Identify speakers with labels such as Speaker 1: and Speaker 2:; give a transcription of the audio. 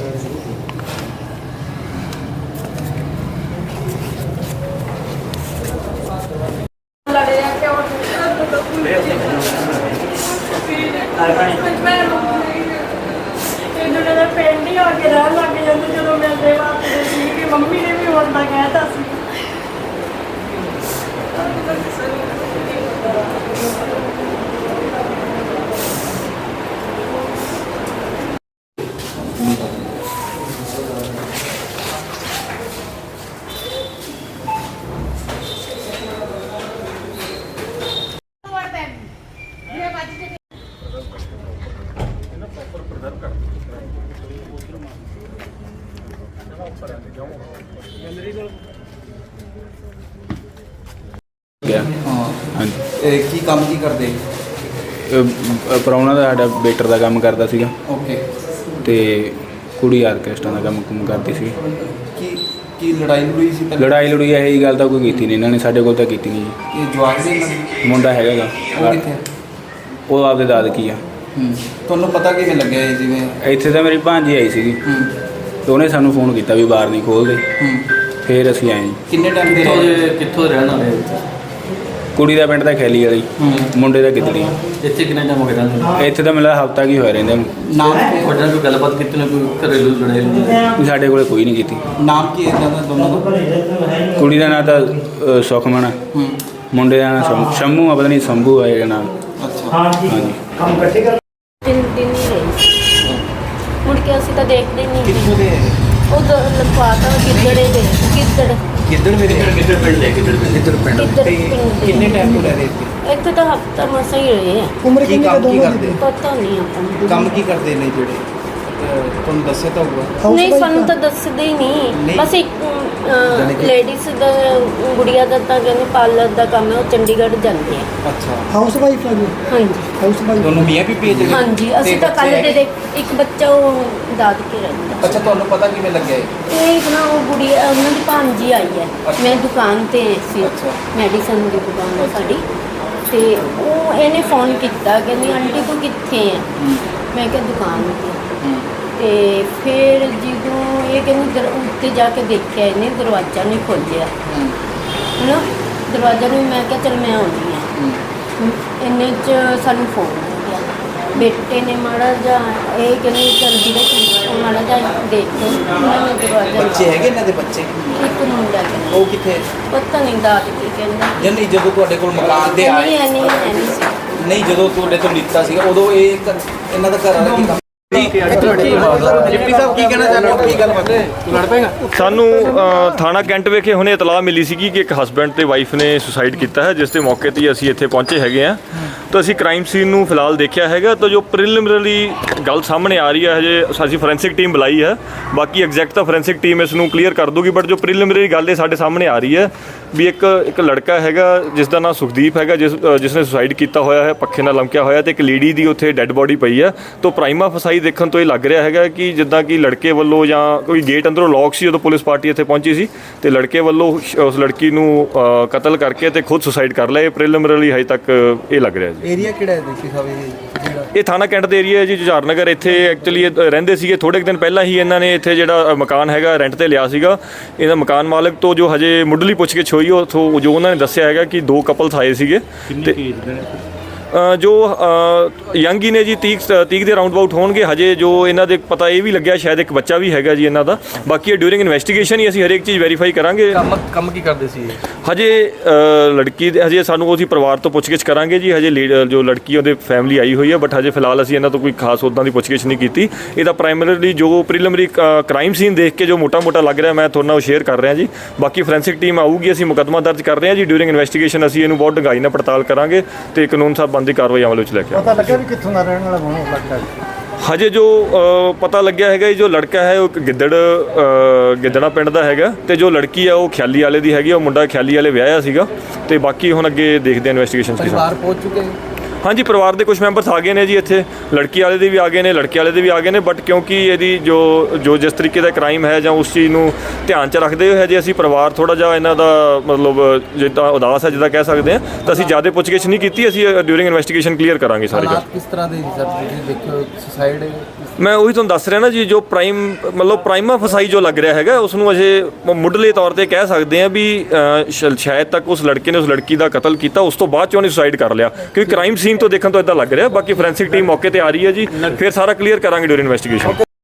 Speaker 1: ਪਿੰਡ ਹੀ ਆ ਕੇ ਰਹਿਣ ਲੱਗ ਜਾਂਦੇ ਜਦੋਂ ਮਿਲਦੇ ਵਾਪਦੇ ਸੀ ਕਿ ਮੰਮੀ ਨੇ ਵੀ ਹੁਣ ਤਾਂ ਕਹਿਤਾ ਸੀ।
Speaker 2: ਕੀ ਕੰਮ ਕੀ ਕਰਦੇ?
Speaker 3: ਪ੍ਰਾਹੁਣਾ ਦਾ ਸਾਡਾ ਵੇਟਰ ਦਾ ਕੰਮ ਕਰਦਾ ਸੀਗਾ।
Speaker 2: ਓਕੇ।
Speaker 3: ਤੇ ਕੁੜੀ ਆਰਕੈਸਟਰਾ ਦਾ ਕੰਮ ਕਰਦੀ ਸੀ।
Speaker 2: ਕੀ ਲੜਾਈ ਲੜੂਈ ਸੀ?
Speaker 3: ਲੜਾਈ ਇਹੀ ਗੱਲ ਤਾਂ ਕੋਈ ਕੀਤੀ ਨਹੀਂ ਇਹਨਾਂ ਨੇ, ਸਾਡੇ ਕੋਲ ਤਾਂ ਕੀਤੀ ਨਹੀਂ ਜੀ।
Speaker 2: ਇਹ ਜਵਾਕ ਦੇ ਨਾਲ
Speaker 3: ਮੁੰਡਾ ਹੈਗਾ ਗਾ,
Speaker 2: ਉਹ ਕਿੱਥੇ?
Speaker 3: ਉਹ ਆਪਦੇ ਦਾਦਕੀ ਆ।
Speaker 2: ਤੁਹਾਨੂੰ ਪਤਾ ਕਿਵੇਂ ਲੱਗਿਆ ਇਹ? ਜਿਵੇਂ
Speaker 3: ਇੱਥੇ ਤਾਂ ਮੇਰੀ ਭਾਂਜੀ ਆਈ ਸੀਗੀ ਤੇ ਉਹਨੇ ਸਾਨੂੰ ਫੋਨ ਕੀਤਾ ਵੀ ਬਾਹਰ ਨਹੀਂ ਖੋਲ੍ਹਦੇ। ਫਿਰ ਅਸੀਂ ਆਏ ਜੀ।
Speaker 2: ਕਿੰਨੇ ਟਾਈਮ ਦੇ?
Speaker 4: ਕਿੱਥੋਂ ਰਹਿਣ ਵਾਲੇ?
Speaker 3: ਕੁੜੀ ਦਾ ਪਿੰਡ ਦਾ ਖੈਲੀ ਵਾਲੀ, ਮੁੰਡੇ ਦਾ ਗਿੱਦੜੀ।
Speaker 4: ਇੱਥੇ ਕਿੰਨੇ ਟਾਈਮ ਹੋ ਗਿਆ ਰਹਿੰਦੇ?
Speaker 3: ਇੱਥੇ ਤਾਂ ਮੈਨੂੰ ਹਫ਼ਤਾ ਕੀ ਹੋਇਆ ਰਹਿੰਦੇ।
Speaker 2: ਨਾਮ
Speaker 4: ਤੁਹਾਡੇ ਨਾਲ ਕੋਈ ਗੱਲਬਾਤ ਕੀਤੀ ਨਾ? ਕੋਈ ਘਰੇਲੂ ਲੜਾਈ?
Speaker 3: ਸਾਡੇ ਕੋਲ ਕੋਈ ਨਹੀਂ ਕੀਤੀ।
Speaker 2: ਨਾਮ ਕੀ ਹੈ ਇਹਨਾਂ ਦਾ ਦੋਨਾਂ ਦਾ?
Speaker 3: ਕੁੜੀ ਦਾ ਨਾਂ ਤਾਂ ਸੁਖਮਨ, ਮੁੰਡੇ ਦਾ ਨਾਂ ਸ਼ੰਮੂ ਆ, ਪਤਾ ਨਹੀਂ ਸ਼ੰਭੂ ਆ ਇਹਦਾ ਨਾਮ।
Speaker 2: ਅੱਛਾ।
Speaker 3: ਹਾਂਜੀ।
Speaker 1: ਕੰਮ ਇਕੱਠੇ ਕਰ
Speaker 5: 3 ਦਿਨ ਹੀ ਰਹੀ, ਮੁੜ ਕੇ ਅਸੀਂ ਤਾਂ ਦੇਖਦੇ ਨਹੀਂ।
Speaker 2: ਕਿੱਥੋਂ ਦੇ?
Speaker 5: ਉਹ ਲਖਵਾਤਾ ਗਿੱਦੜੇ ਦੇ।
Speaker 2: ਕਿੱਧਰ ਮੇਰੇ?
Speaker 4: ਕਿੱਧਰ ਪਿੰਡ ਲੈ? ਕਿੱਧਰ ਪਿੰਡ?
Speaker 2: ਕਿੰਨੇ ਟਾਈਮ ਤੋਂ ਰਹਿ ਰਹੇ ਇੱਥੇ?
Speaker 5: ਇੱਥੇ ਤਾਂ ਹਫ਼ਤਾ ਮਸਾਂ ਹੀ ਰਹੇ ਆ।
Speaker 1: ਉਮਰ
Speaker 2: ਕੀ ਕੰਮ ਕੀ ਕਰਦੇ?
Speaker 5: ਪਤਾ ਨਹੀਂ ਆਪਾਂ ਨੂੰ।
Speaker 2: ਕੰਮ ਕੀ ਕਰਦੇ ਨੇ ਜਿਹੜੇ ਤੁਹਾਨੂੰ ਦੱਸਿਆ ਤਾਂ ਹੋਊਗਾ?
Speaker 5: ਨਹੀਂ, ਸਾਨੂੰ ਤਾਂ ਦੱਸਦੇ ਹੀ ਨਹੀਂ। ਬਸ ਇੱਕ ਲੇਡੀਜ਼ ਦਾ ਗੁੜੀਆ ਦਾ ਤਾਂ ਕਹਿੰਦੇ ਪਾਰਲਰ ਦਾ ਕੰਮ ਹੈ, ਉਹ ਚੰਡੀਗੜ੍ਹ ਜਾਂਦੇ ਆ।
Speaker 2: ਅੱਛਾ।
Speaker 1: ਹਾਊਸ ਵਾਈਫ ਹੈ ਜੀ?
Speaker 5: ਹਾਂਜੀ।
Speaker 1: ਹਾਊਸ ਵਾਈਫ
Speaker 2: ਦੋਨੋਂ ਮੀਆਂ ਵੀ ਭੇਜ ਰਹੇ?
Speaker 5: ਹਾਂਜੀ, ਅਸੀਂ ਤਾਂ ਕੱਲ੍ਹ ਦੇ ਇੱਕ ਬੱਚਾ ਉਹ ਦਾਦਕੇ ਰਹਿੰਦਾ।
Speaker 2: ਅੱਛਾ, ਤੁਹਾਨੂੰ ਪਤਾ ਕਿਵੇਂ ਲੱਗਿਆ ਇਹ?
Speaker 5: ਇਹ ਨਾ ਉਹ ਗੁੜੀਆ ਉਹਨਾਂ ਦੀ ਭਾਂਜੀ ਆਈ ਹੈ। ਮੈਂ ਦੁਕਾਨ 'ਤੇ ਸੀ, ਮੈਡੀਸਨ ਦੀ ਦੁਕਾਨ ਹੈ ਸਾਡੀ, ਤੇ ਉਹ ਇਹਨੇ ਫੋਨ ਕੀਤਾ, ਕਹਿੰਦੀ ਆਂਟੀ ਤੂੰ ਕਿੱਥੇ ਹੈ? ਮੈਂ ਕਿਹਾ ਦੁਕਾਨ 'ਤੇ। ਤੇ ਫਿਰ ਜਦੋਂ ਇਹ ਕਹਿੰਦੀ ਉੱਤੇ ਜਾ ਕੇ ਦੇਖਿਆ ਇਹਨੇ, ਦਰਵਾਜ਼ਾ ਨਹੀਂ ਖੋਲ੍ਹਿਆ ਹੈ ਨਾ, ਦਰਵਾਜ਼ਾ ਨੂੰ। ਮੈਂ ਕਿਹਾ ਚੱਲ ਮੈਂ ਆਉਂਦੀ ਹਾਂ। ਇੰਨੇ 'ਚ ਸਾਨੂੰ ਫੋਨ ਆ ਗਿਆ, ਬੇਟੇ ਨੇ ਮਾੜਾ ਜਿਹਾ ਇਹ ਕਹਿੰਦੀ ਚੱਲ ਵੀਰੇ ਮਾੜਾ ਜਿਹਾ ਦੇਖ ਲਓ। ਉਹਨਾਂ ਨੇ ਦਰਵਾਜ਼ਾ
Speaker 2: ਬੱਚੇ ਹੈਗੇ ਇਹਨਾਂ ਦੇ ਬੱਚੇ?
Speaker 5: ਇੱਕ ਮੁੰਡਾ ਕਹਿੰਦਾ।
Speaker 2: ਉਹ ਕਿੱਥੇ?
Speaker 5: ਪਤਾ ਨਹੀਂ ਦਾਦਕੇ ਕਹਿੰਦਾ।
Speaker 2: ਨਹੀਂ, ਜਦੋਂ ਤੁਹਾਡੇ ਕੋਲ ਮਕਾਨ ਤੇ ਆਏ? ਨਹੀਂ, ਜਦੋਂ ਤੁਹਾਡੇ ਤੋਂ ਲਿੱਤਾ ਸੀਗਾ ਉਦੋਂ ਇਹ ਇਹਨਾਂ ਦਾ ਘਰ ਵਾਲਾ ਕੀ ਕੰਮ? ਡਿਪਟੀ ਸਾਹਿਬ ਕੀ ਕਹਿਣਾ ਚਾਹੁੰਦੇ ਹੋ? ਕੀ ਗੱਲ ਬਾਤ ਹੈ? ਲੜ ਪਏਗਾ?
Speaker 6: ਸਾਨੂੰ ਥਾਣਾ ਕੈਂਟ ਵਿਖੇ ਹੁਣੇ ਇਤਲਾਹ ਮਿਲੀ ਸੀਗੀ ਕਿ ਇੱਕ ਹਸਬੈਂਡ ਤੇ ਵਾਈਫ ਨੇ ਸੁਸਾਈਡ ਕੀਤਾ ਹੈ, ਜਿਸ ਦੇ ਮੌਕੇ 'ਤੇ ਅਸੀਂ ਇੱਥੇ ਪਹੁੰਚੇ ਹੈਗੇ ਆ। ਤਾਂ ਅਸੀਂ ਕ੍ਰਾਈਮ ਸੀਨ ਨੂੰ ਫਿਲਹਾਲ ਦੇਖਿਆ ਹੈਗਾ। ਤਾਂ ਜੋ ਪ੍ਰੀਲਿਮਿਨਰੀ ਗੱਲ ਸਾਹਮਣੇ ਆ ਰਹੀ ਹੈ, ਹਜੇ ਅਸੀਂ ਫੋਰੈਂਸਿਕ ਟੀਮ ਬੁਲਾਈ ਹੈ, ਬਾਕੀ ਐਗਜ਼ੈਕਟ ਤਾਂ ਫੋਰੈਂਸਿਕ ਟੀਮ ਇਸ ਨੂੰ ਕਲੀਅਰ ਕਰ ਦੂਗੀ। ਬਟ ਜੋ ਪ੍ਰੀਲਿਮਿਨਰੀ ਗੱਲ ਇਹ ਸਾਡੇ ਸਾਹਮਣੇ ਆ ਰਹੀ ਹੈ ਵੀ ਇੱਕ ਲੜਕਾ ਹੈਗਾ ਜਿਸ ਦਾ ਨਾਮ ਸੁਖਦੀਪ ਹੈਗਾ, ਜਿਸ ਨੇ ਸੁਸਾਈਡ ਕੀਤਾ ਹੋਇਆ ਹੈ, ਪੱਖੇ ਨਾਲ ਲਮਕਿਆ ਹੋਇਆ, ਤੇ ਇੱਕ ਲੇਡੀ ਦੀ ਉੱਥੇ ਡੈੱਡ ਬੋਡੀ ਪਈ ਹੈ। ਤਾਂ ਪ੍ਰਾਈਮਾ ਫਸਾਈ ਦੇਖਣ ਤੋਂ ਇਹ ਲੱਗ ਰਿਹਾ ਹੈਗਾ ਕਿ ਜਿੱਦਾਂ ਕਿ ਲੜਕੇ ਵੱਲੋਂ ਜਾਂ ਕੋਈ ਗੇਟ ਅੰਦਰੋਂ ਲੌਕ ਸੀ, ਉਦੋਂ ਪੁਲਿਸ ਪਾਰਟੀ ਇੱਥੇ ਪਹੁੰਚੀ ਸੀ ਤੇ ਲੜਕੇ ਵੱਲੋਂ ਉਸ ਲੜਕੀ ਨੂੰ ਕਤਲ ਕਰਕੇ ਤੇ ਖੁਦ ਸੁਸਾਈਡ ਕਰ ਲਿਆ। ਇਹ ਪ੍ਰੀਲਿਮਿਨਰੀ ਹਜੇ ਤੱਕ ਇਹ ਲੱਗ ਰਿਹਾ ਜੀ।
Speaker 2: ਏਰੀਆ ਕਿਹੜਾ ਹੈ ਦੇਖੀ ਸਾਹਿਬ?
Speaker 6: ਇਹ ਥਾਣਾ ਕੈਂਟ ਦੇ ਏਰੀਆ ਹੈ ਜੀ, ਜੁਝਾਰ ਨਗਰ। ਇੱਥੇ ਐਕਚੁਅਲੀ ਰਹਿੰਦੇ ਸੀਗੇ, ਥੋੜ੍ਹੇ ਦਿਨ ਪਹਿਲਾਂ ਹੀ ਇਹਨਾਂ ਨੇ ਇੱਥੇ ਜਿਹੜਾ ਮਕਾਨ ਹੈਗਾ ਰੈਂਟ ਤੇ ਲਿਆ ਸੀਗਾ। ਇਹਦਾ ਮਕਾਨ ਮਾਲਕ ਤੋਂ ਜੋ ਹਜੇ ਮੁੱਢਲੀ ਪੁੱਛਗਿੱਛ ਹੋਈ, ਉੱਥੋਂ ਜੋ ਉਹਨਾਂ ਨੇ ਦੱਸਿਆ ਹੈਗਾ ਕਿ 2 ਕਪਲਸ ਆਏ ਸੀਗੇ ਤੇ ਜੋ ਯੰਗ ਹੀ ਨੇ ਜੀ, 30 ਦੇ ਰਾਊਂਡ ਅਬਾਊਟ ਹੋਣਗੇ। ਹਜੇ ਜੋ ਇਹਨਾਂ ਦੇ ਪਤਾ ਇਹ ਵੀ ਲੱਗਿਆ ਸ਼ਾਇਦ ਇੱਕ ਬੱਚਾ ਵੀ ਹੈਗਾ ਜੀ ਇਹਨਾਂ ਦਾ। ਬਾਕੀ ਇਹ ਡਿਊਰਿੰਗ ਇਨਵੈਸਟੀਗੇਸ਼ਨ ਹੀ ਅਸੀਂ ਹਰੇਕ ਚੀਜ਼ ਵੈਰੀਫਾਈ ਕਰਾਂਗੇ।
Speaker 4: ਕੰਮ ਕੀ ਕਰਦੇ ਸੀ
Speaker 6: ਹਜੇ ਲੜਕੀ ਦੇ ਹਜੇ ਸਾਨੂੰ ਉਹਦੀ ਪਰਿਵਾਰ ਤੋਂ ਪੁੱਛਗਿੱਛ ਕਰਾਂਗੇ ਜੀ। ਹਜੇ ਜੋ ਲੜਕੀ ਉਹਦੇ ਫੈਮਿਲੀ ਆਈ ਹੋਈ ਹੈ, ਬਟ ਹਜੇ ਫਿਲਹਾਲ ਅਸੀਂ ਇਹਨਾਂ ਤੋਂ ਕੋਈ ਖਾਸ ਉੱਦਾਂ ਦੀ ਪੁੱਛਗਿੱਛ ਨਹੀਂ ਕੀਤੀ। ਇਹਦਾ ਪ੍ਰਾਇਮਰੀਲੀ ਜੋ ਪ੍ਰੀਲਿਮਿਨਰੀ ਕ੍ਰਾਈਮ ਸੀਨ ਦੇਖ ਕੇ ਜੋ ਮੋਟਾ ਲੱਗ ਰਿਹਾ, ਮੈਂ ਤੁਹਾਡੇ ਨਾਲ ਸ਼ੇਅਰ ਕਰ ਰਿਹਾ ਜੀ। ਬਾਕੀ ਫੋਰੈਂਸਿਕ ਟੀਮ ਆਊਗੀ, ਅਸੀਂ ਮੁਕੱਦਮਾ ਦਰਜ ਕਰ ਰਹੇ ਹਾਂ ਜੀ। ਡਿਊਰਿੰਗ ਇਨਵੈਸਟੀਗੇਸ਼ਨ ਅਸੀਂ ਇਹਨੂੰ ਬਹੁਤ ਡੂੰਘਾਈ ਨਾਲ ਪੜਤਾਲ ਕਰਾਂਗੇ ਤੇ ਕਾਨੂੰਨ ਸਾਹਿਬ ਦੀ ਕਾਰਵਾਈ ਅਮਲ ਵਿੱਚ ਲੈ ਕੇ
Speaker 1: ਪਤਾ ਲੱਗਿਆ ਵੀ ਕਿੱਥੋਂ ਦਾ ਰਹਿਣ ਵਾਲਾ ਹੋਣਾ ਲੱਗਦਾ?
Speaker 6: ਹਜੇ ਜੋ ਪਤਾ ਲੱਗਿਆ ਹੈਗਾ ਜੋ ਲੜਕਾ ਹੈ ਉਹ ਗਿੱਦੜਾ ਪਿੰਡ ਦਾ ਹੈਗਾ, ਤੇ ਜੋ ਲੜਕੀ ਹੈ ਉਹ ਖਿਆਲੀ ਵਾਲੇ ਦੀ ਹੈਗੀ। ਉਹ ਮੁੰਡਾ ਖਿਆਲੀ ਵਾਲੇ ਵਿਆਹਿਆ ਸੀਗਾ। ਤੇ ਬਾਕੀ ਹੁਣ ਅੱਗੇ ਦੇਖਦੇ ਹਾਂ ਇਨਵੈਸਟੀਗੇਸ਼ਨ ਕੀ
Speaker 2: ਪਰਿਵਾਰ ਪਹੁੰਚ ਚੁੱਕੇ?
Speaker 6: ਹਾਂਜੀ, ਪਰਿਵਾਰ ਦੇ ਕੁਝ ਮੈਂਬਰਸ ਆ ਗਏ ਨੇ ਜੀ ਇੱਥੇ। ਲੜਕੀ ਵਾਲੇ ਦੇ ਵੀ ਆ ਗਏ ਨੇ, ਲੜਕੇ ਵਾਲੇ ਦੇ ਵੀ ਆ ਗਏ ਨੇ। ਬਟ ਕਿਉਂਕਿ ਇਹਦੀ ਜੋ ਜਿਸ ਤਰੀਕੇ ਦਾ ਕ੍ਰਾਈਮ ਹੈ ਜਾਂ ਉਸ ਚੀਜ਼ ਨੂੰ ਧਿਆਨ 'ਚ ਰੱਖਦੇ ਹੋਏ ਹਜੇ ਅਸੀਂ ਪਰਿਵਾਰ ਥੋੜ੍ਹਾ ਜਿਹਾ ਇਹਨਾਂ ਦਾ ਮਤਲਬ ਜਿੱਦਾਂ ਉਦਾਸ ਹੈ, ਜਿੱਦਾਂ ਕਹਿ ਸਕਦੇ ਹਾਂ, ਤਾਂ ਅਸੀਂ ਜ਼ਿਆਦਾ ਪੁੱਛਗਿੱਛ ਨਹੀਂ ਕੀਤੀ। ਅਸੀਂ ਡਿਊਰਿੰਗ ਇਨਵੈਸਟੀਗੇਸ਼ਨ ਕਲੀਅਰ ਕਰਾਂਗੇ ਸਾਰੀ ਗੱਲ।
Speaker 2: ਕਿਸ ਤਰ੍ਹਾਂ ਦੇ ਸਰ ਦੇਖੋ ਸੁਸਾਈਡ
Speaker 6: ਮੈਂ ਉਹੀ ਤੁਹਾਨੂੰ ਦੱਸ ਰਿਹਾ ਨਾ ਜੀ, ਜੋ ਪ੍ਰਾਈਮਾ ਫਸਾਈ ਜੋ ਲੱਗ ਰਿਹਾ ਹੈਗਾ ਉਸ ਨੂੰ ਅਜੇ ਮੁੱਢਲੇ ਤੌਰ ਤੇ ਕਹਿ ਸਕਦੇ ਆ ਵੀ ਸ਼ਾਇਦ ਤੱਕ ਉਸ ਲੜਕੇ ਨੇ ਉਸ ਲੜਕੀ ਦਾ ਕਤਲ ਕੀਤਾ, ਉਸ ਤੋਂ ਬਾਅਦ ਚ ਉਹਨੇ ਸੁਸਾਈਡ ਕਰ ਲਿਆ, ਕਿਉਂਕਿ ਕ੍ਰਾਈਮ ਸੀਨ ਤੋਂ ਦੇਖਣ ਤੋਂ ਇਦਾਂ ਲੱਗ ਰਿਹਾ। ਬਾਕੀ ਫੋਰੈਂਸਿਕ ਟੀਮ ਮੌਕੇ ਤੇ ਆ ਰਹੀ ਹੈ ਜੀ, ਫਿਰ ਸਾਰਾ ਕਲੀਅਰ ਕਰਾਂਗੇ ਡਿਊਰਿੰਗ ਇਨਵੈਸਟੀਗੇਸ਼ਨ।